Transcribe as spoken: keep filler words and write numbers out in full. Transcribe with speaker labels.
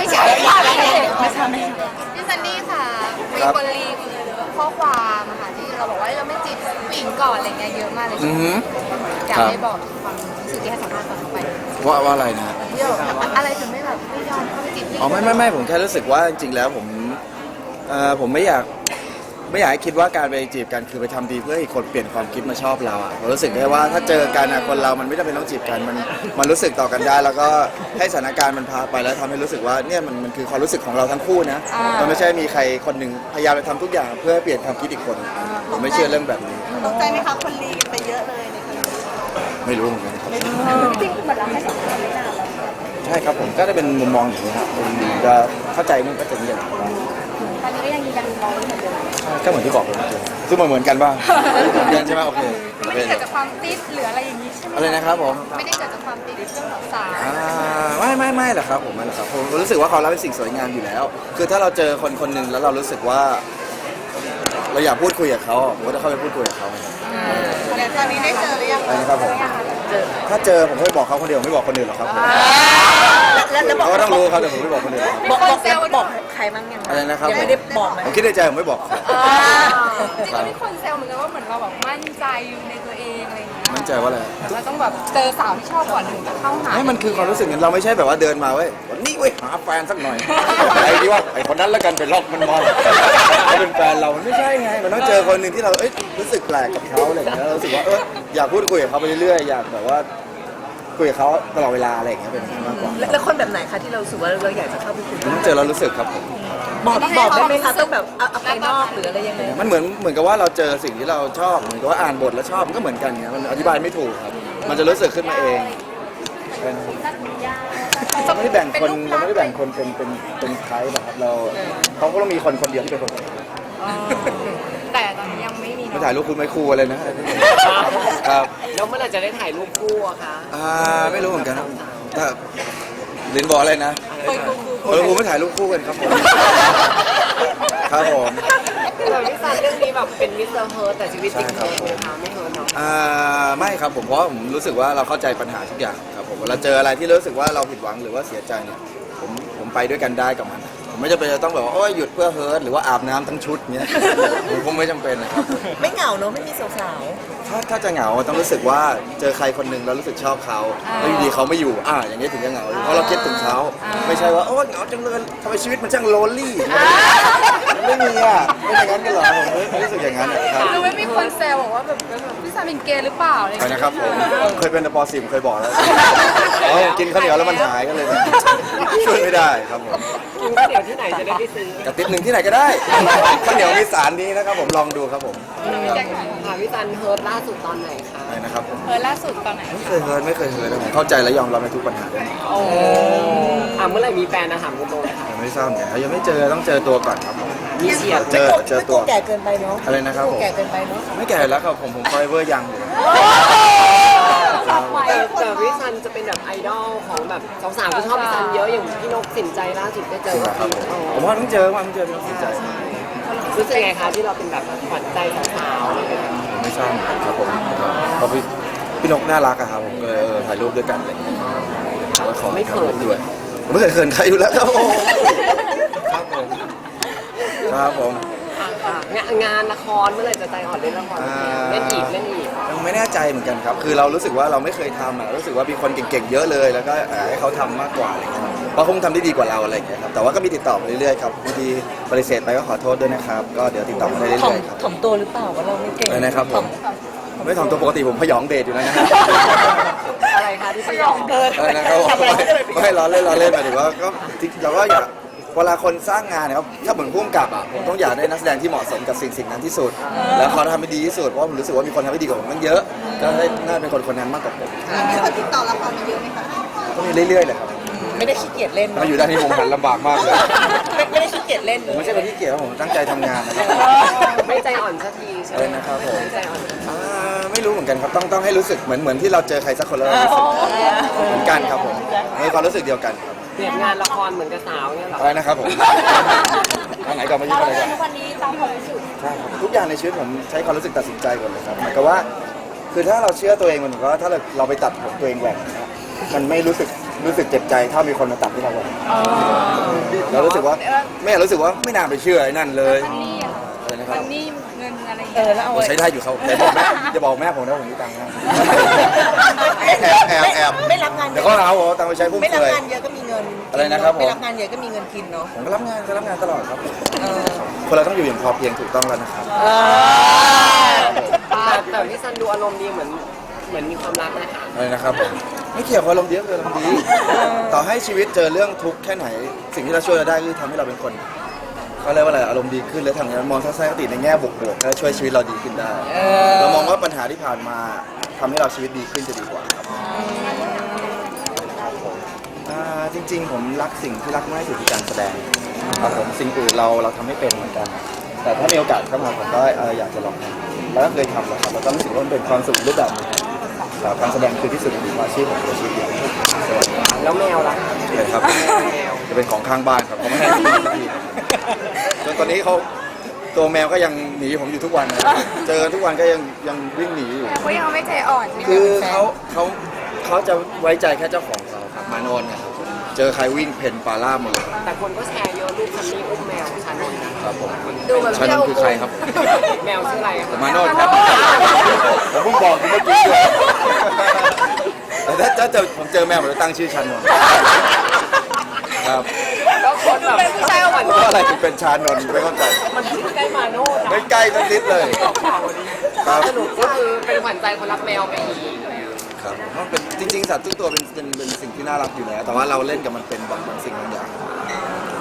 Speaker 1: ไม่ใช่ไม่ใช่ไม่ใช่ไม่ใช่
Speaker 2: พี่ซันนี่ค่ะมีคนรีวิวข้อความอะค่ะที่เราบอกว่าเราไม่จีบผู้หญิงก่อนอะไรเงี้ยเยอะมากเลย
Speaker 1: อือฮึ
Speaker 2: อยากให้บอกความรู้สึกที่ให้สัมภาษณ์ตอนเข้าไป
Speaker 1: ว่าว่าอะไรนะ
Speaker 2: ที่เราแบบอะไรถึงไม่แบบไม่ยอมเข้าไปจีบผู้หญิง
Speaker 1: อ๋อไม่ไม่ไม่ผมแค่รู้สึกว่าจริงๆแล้วผมเอ่อผมไม่อยากไม่อยากให้คิดว่าการไปจีบกันคือไปทำดีเพื่อให้คนเปลี่ยนความคิดมาชอบเราอ่ะผมรู้สึกได้ว่าถ้าเจอกันอ่ะคนเรามันไม่จำเป็นต้องจีบกันมันมันรู้สึกต่อกันได้ แล้วก็ให้สถานการณ์มันพาไปแล้วทำให้รู้สึกว่าเนี่ยมันมันคือความรู้สึกของเราทั้งคู่นะมันไม่ใช่มีใครคนหนึ่งพยายามไปทำทุกอย่างเพื่อให้เปลี่ยนความคิดอีกคนผมไม่เชื่อเรื่องแบบนี้
Speaker 3: ตกใจไหมคะคนรีไปเยอะเลยในคนนี้
Speaker 1: ไม่รู้เหมือนกันครับ
Speaker 3: จริงๆเหมือนเราให้สัมภาษณ์ไม่นานแล้ว
Speaker 1: ใช่ครับผมก็ได้เป็นมุมมองอย่างนี้ครับผมจะเข้าใจมันก็จะเงียบ
Speaker 3: ตอนนี้ก็ยังยืนยันมองเหมือนเดิม
Speaker 1: ก็เหมือนที่บอกไปเมื่อกี้ซึ่งมันเหมือนกันป่ะเหมือนกันใช่ไหมโอเค
Speaker 2: ไม่ได้เกิดจากความติดหรืออะไรอย่างนี้ใช่ไหม
Speaker 1: อะไรนะครับผม
Speaker 2: ไม่ได้เกิดจากความติดเรื่องของสาว
Speaker 1: อ่าไม่ไม่ไม่หรอกครับผมไม่หรอกครับผมรู้สึกว่าความรักเป็นสิ่งสวยงามอยู่แล้ว คือถ้าเราเจอคนคนหนึ่งแล้วเรารู้สึกว่า เราอยากพูดคุยกับเขาผมก็จะเข้าไปพูดคุยกับเขา
Speaker 3: แต่ตอนนี้ได้เจอหรือยัง
Speaker 1: อะไรนะครับผมถ้าเจอผมก็ไม่บอกเขาคนเดียวไม่บอกคนอื่นหรอกครับผม
Speaker 3: แล้วแล้วบอก
Speaker 1: เขาก็ต้องรู้ครับแต่ผมไม่บอกคนอื่น
Speaker 3: บอกบอกแล้วบอกใครบ้างยัง
Speaker 1: อะไรนะครับ
Speaker 3: ยังไม่ได้บอกไหม
Speaker 1: ผมคิดในใจผมไม่บอกครับ
Speaker 2: จริงๆมีคนแซวเหมือนกันว่าเหมือนเราแบบมั่นใจในตัวเองอะไรอย่างเงี้ย
Speaker 1: มั่นใจว่าอะไร
Speaker 2: เราต้องแบบเจอสาวที่ชอบก่อนถึงจะเข้าหา
Speaker 1: ไม่มันคือความรู้สึกอย่างเราไม่ใช่แบบว่าเดินมาเว้ยวันนี้เว้ยหาแฟนสักหน่อยไอ้ดีว่าไอ้คนนั้นแล้วกันไปล็อกมันมอนเขาเป็นแฟนเรามันไม่ใช่ไงมันต้องเจอคนหนึ่งที่เราเอ้ยรู้สึกแปลกกับเขาอะไรอย่างเงี้ยเรารู้สึกว่าเอออยากพูดคุยกับเขาไปเรื่อยๆอยากแบบว่าคุยกับเขาตลอดเวลาอะไรอย่างเงี้ยเป็นมากกว่า
Speaker 3: แล้วคนแบบไหนคะที่เราสึกว่าเราอยากจะเข้าไปคุย
Speaker 1: มันต้องเจอเรารู้สึกครับผม
Speaker 3: บอกบอกได้ไหมคะต้องแบบเอาไปนอกหรืออะไรยังไง
Speaker 1: มันเหมือนเหมือนกับว่าเราเจอสิ่งที่เราชอบเหมือนกับว่าอ่านบทแล้วชอบมันก็เหมือนกันเงี้ยมันอธิบายไม่ถูกครับมันจะรู้สึกขึ้นมาเองเราไม่ได้แบ่งคนเราไม่ได้แบ่งคนเป็นเป็นเป็นใครแบบครับเราเขาก็ต้องมีคนคนเดียวที่เป็นคน
Speaker 2: แต่ตอนนี้ยังไม่มี
Speaker 1: ไม่
Speaker 2: เนาะ
Speaker 1: ถ่ายรูปคุณไม่คู่อะไรนะครับ
Speaker 4: แล้วเมื่อไหร่จะได้ถ่ายรูปคู่อะคะ
Speaker 1: อ่าไม่รู้เหมือนกันครับถ้าลินบอกอะไรนะเออผมไม่ถ่ายรูปคู่กันครับผมครับผม
Speaker 4: แต่พี่ซันเรื่องนี้แบบเป็นมิสเตอร์เฮิร์ตแต่ชีวิตจริงเฮิร์ตไหมคะไม่เฮิร์ตเนาะ
Speaker 1: อ่าไม่ครับผมเพราะว่าผมรู้สึกว่าเราเข้าใจปัญหาทุกอย่างครับผมเวลาเจออะไรที่รู้สึกว่าเราผิดหวังหรือว่าเสียใจเนี่ยผมผมไปด้วยกันได้กับมันผมไม่จำเป็นจะต้องแบบว่าโอ้ยหยุดเพื่อเฮิร์ตหรือว่าอาบน้ำทั้งชุดเนี้ยผมคงไม่จำเป็นนะครับ
Speaker 3: ไม่เหงาเนอะไม่มีสาว
Speaker 1: ถ้าถ้าจะเหงาต้องรู้สึกว่าเจอใครคนหนึ่งแล้วรู้สึกชอบเขาแล้วอยู่ดีเขาไม่อยู่อ่าอย่างนี้ถึงจะเหงาเพราะเราคิดถึงเขาไม่ใช่ว่าโอ้เหงาจังเลยทำไมชีวิตมันช่างโลนลี่ไม่มีอ่ะไม่อย่างนั้นกันหรอผมไม่รู้สึกอย่างนั้นนะครับ
Speaker 2: คือไม่มีคนแซวบอกว่าแบบแบบพี่ซาเป็นเกย์หรือเปล่าอะไรอย่าง
Speaker 1: ไป
Speaker 2: เงี้ย
Speaker 1: นะครับผมเคยเป็นปอสิมเคยบอกแล้วอ๋อกินข้าวเหนียวแล้วมันหายก็เลยแบบช่วยไม่ได้ครับผม
Speaker 4: กินข้าวเหนียวที่ไหนจะได้ไปซื้อก
Speaker 1: ระติบหนึ่งที่ไหนก็ได้ข้าวเหนียวมีสารนี้นะครับผมลองดูครับผม
Speaker 4: ค่ะพี่ซันเฮิร์ตล่าสุดตอนไหนคะ
Speaker 1: ไปนะครับผม
Speaker 2: เออล่าสุดตอนไหน
Speaker 1: ไม่เคยเฮิร์ตไม่เคยเฮิร์ตนะผมเข้าใจและยอมรับในทุกปัญหา
Speaker 4: โอ้อ่ะเมื่อไหร่มีแฟนนะถามคุณโตเลยค่ะ
Speaker 1: ยังไม่ทราบเหมือนกันยังไม่เจอต้องเจอตัวก่อนครับผม
Speaker 4: มีเฉียด
Speaker 1: เจอเจอตัว
Speaker 3: แก่เกินไปเนาะ
Speaker 1: อะไรนะครับผม
Speaker 3: แก่เกินไปเนาะ
Speaker 1: ไม่แก่แล้วครับผมผมคอยเวอร์ยังอยู่
Speaker 4: แต่แต่พี่ซันจะเป็นแบบไอดอลของแบบสาวๆที่ชอบพี่ซันเยอะอย่างพี่นกสินใจล่าสุดได้เจ
Speaker 1: จริ
Speaker 4: อง
Speaker 1: เหรอครับผมผมว่าต้องเจอว่าต้องเจอต้องสินใจ
Speaker 4: รู้สึกไงคะที่เราเป็นแบบขวัญใจสาวๆอะไรอย่างเงี้ย
Speaker 1: ผมไม่ทราบเหมือนกันครับผมเพราะพี่พี่นกน่ารักอะครับผมก็เลยเออถ่ายรูปด้วยกันอะไรอย่างเงี้ยผมก็ขอถ่ายรูปด้วยผมไม่เคยเขินใครอยู่แล้วครับผมครับผมครับผม
Speaker 4: อ่ะค่ะงานงานละครเมื่อไหร่จะใจอ่อนเล่นละครเล่นอีกเล่นอีก
Speaker 1: ยังไม่แน่ใจเหมือนกันครับ คือเรารู้สึกว่าเราไม่เคยทำอ่ะรู้สึกว่ามีคนเก่งๆเยอะเลย แล้วก็เอ่อให้เขาทำมากกว่าอะไรเงี้ยเพราะคงทำได้ดีกว่าเราอะไรอย่างเงี้ยครับ แต่ว่าก็มีติดต่อมาเรื่อยๆครับบางทีปฏิเสธไปก็ขอโทษด้วยนะครับ ก็เดี๋ยวติดต่อมาได้เรื่
Speaker 3: ถ่อม
Speaker 1: อยๆครับ
Speaker 3: ถ่อมตัวหรือเปล่าว่าเราไม่เก่ง
Speaker 1: อะไรนะครับผมไม่ถ่อมตัวปกติผมพยองเดทอยู่แล้วนะครับ
Speaker 4: อะไรคะที่สยอง
Speaker 1: อะไรนะครับไม่ไม่ล้อเล่นล้อเล่นหมายถึงว่าก็จริงเราก็อยากเวลาคนสร้างงานนะครับถ้าเหมือนพุ่มกับอ่ะผมต้องอยากได้นักแสดงที่เหมาะสมกับสิ่งสิ่งนั้นที่สุด แล้วเขาทำให้ดีที่สุดเพราะผมรู้สึกว่ามีคนทำให้ดีกว่าผมตั้งเยอะ ก็ได้น่าเป็นคนคนนั้นมากกว่าผม
Speaker 3: มีคนติดต่อละครมาเยอะไหมคะ
Speaker 1: ก็มีเรื่อยๆเลยครับ
Speaker 3: ไม่ได้ขี้เกียจเล่น
Speaker 1: มาอยู่ด้านนี้ผมหันลำบากมากเลย
Speaker 3: ไม่ไม่ได้ขี้เกียจเล่น
Speaker 1: ผมไม่ใช่คนที่เกียจผมตั้งใจทำงานนะครับ
Speaker 4: ไม่ใจอ่อนสักทีใช่
Speaker 1: อะ
Speaker 4: ไห
Speaker 1: ไร
Speaker 4: ม
Speaker 1: นะครับผม
Speaker 4: ไม่ใจอ่อน
Speaker 1: อ่าไม่รู้เหมือนกันครับต้องต้องให้รู้สึกเหมือนเหมือนที่เราเจอใครสักคนแล้วเรารู้สึกเหมือนกันครับผมมีความรู้สึกเดียวกันครับ
Speaker 4: เปลี่ยนงานละครเหมือนกับสาวเนี่ยเหรอ
Speaker 1: อะไรนะครับผมทางไหนก่อนมายุ่งอะไรก่อน
Speaker 3: วันนี้ตามความรู้สึก
Speaker 1: ใช่ครับทุกอย่างในชีวิตผมใช้ความรู้สึกตัดสินใจก่อนเลยครับหมายความว่า คือถ้าเราเชื่อตัวเองมันก็ถ้าเราเราไปตัดผมตัวเองแหว่งนะครับมันไม่รู้สึกรู้สึกเจ็บใจถ้ามีคนมาตัดที่เราเลยเรารู้สึกว่าแม่รู้สึกว่าไม่น่าไปเชื่อไอ้นั่นเลยอะไรนะครับ
Speaker 2: นี่เงินอะไร
Speaker 3: เออแล้วเอา
Speaker 1: ผม
Speaker 3: ไว้
Speaker 1: ใช้ได้อยู่เขาแต่บอกแม่อย่าบอกแม่ผมนะผมมีตังค์นะแอบแอบแอบ
Speaker 3: ไม่รับงานเย
Speaker 1: เดี๋ยว
Speaker 3: อะ
Speaker 1: เขาเอาตังค์ไปใช้ฟุ่ม
Speaker 3: ไม่รับ
Speaker 1: เฟือย
Speaker 3: งานเยอะก็มีเงิน
Speaker 1: อะไรนะครับผม
Speaker 3: ไม่รับงานเยอะก็มีเงินกินเนาะ
Speaker 1: ผมก็รับงานก็รับงานตลอดครับ
Speaker 3: เออ
Speaker 1: คนเราต้องอยู่อย่างพอเพียงถูกต้องแล้วนะครับ
Speaker 3: เออ
Speaker 4: แต่แต่พี่ซันดูอารมณ์ดีเหมือนเหมือนมีความรักนะคะ
Speaker 1: อะไรนะครับผมไม่เกี่ยวกับอารมณ์ดีก็คืออารมณ์ดีต่อให้ชีวิตเจอเรื่องทุกข์แค่ไหน สิ่งที่เราช่วยเราได้คือทำให้เราเป็นคนเขาเรียกว่าอะไรอารมณ์ดีขึ้นและทำงานมองทัศนคติในแง่บวกๆและช่วยชีวิตเราดีขึ้นได้ เรามองว่าปัญหาที่ผ่านมาทำให้เราชีวิตดีขึ้นจะดีกว่าครับครับผมอ่าจริง ๆ ผมรักสิ่งที่รักมากที่สุดคือการแสดงครับผมสิ่งอื่นเราเราทำไม่เป็นเหมือนกัน แต่ถ้ามีโอกาสเข้ามาผมก็เอ่ออยากจะลองทำแล้วก็เคยทำแล้วครับแล้วก็รู้สึกว่ามันเป็นความสุขรูปแบบหนึงครับการแสดงคือที่สุดของอาชีพผมคืออาชีพเดียวสวัสดี
Speaker 4: แล้วแมวล่ะ
Speaker 1: เลยครับจะเป็นของข้างบ้านครับเขาไม่ให้ผมสักทีจนตอนนี้เขาตัวแมวก็ยังหนีผมอยู่ทุกวันนะเจอทุกวันก็ยังยังวิ่งหนีอยู่
Speaker 2: แต่เขายังไม่ใจอ่อนใช่ไหม
Speaker 1: คือเขาเขาเขาจะไว้ใจแค่เจ้าของเขาครับมานอนเนี่ยครับเจอใครวิ่งเพ่นปลาล่าหมดเลย
Speaker 4: แต่คนก็แชร์เยอะรูปคันนี้อุ้มแมวชานนท์นะครับ
Speaker 1: ผม
Speaker 2: ดูแบบ
Speaker 1: ชานนท์คือใครครับ
Speaker 4: แมวชื่ออะไรอะ
Speaker 1: มานอนครับผมเพิ่งบอกคุณเมื่อกี้ด้วยแต่ถ้าเจอผมเจอแมวผมจะตั้งชื่อชานนท์ครับ
Speaker 4: แล้วคนแบบ
Speaker 2: เป็นผู้ชายอบ
Speaker 1: เพ
Speaker 2: อุ่น
Speaker 1: ราะอะไรถึงเป็นชานนท์ไม่เข้าใจ
Speaker 4: มันใกล้มาโน่นะ
Speaker 1: ไม่ใกล้สักนิดเลย
Speaker 4: ข่าววันนี้
Speaker 1: ครับ
Speaker 4: สนุกก็คือเป็นขวัญใจคนรักแมวไปอีก
Speaker 1: ครับเพราะเป็นจริงๆสัตว์ทุกตัวเป็นเป็นเป็นสิ่งที่น่ารักอยู่แล้วแต่ว่าเราเล่นกับมันเป็นบางบางสิ่งบางอย่าง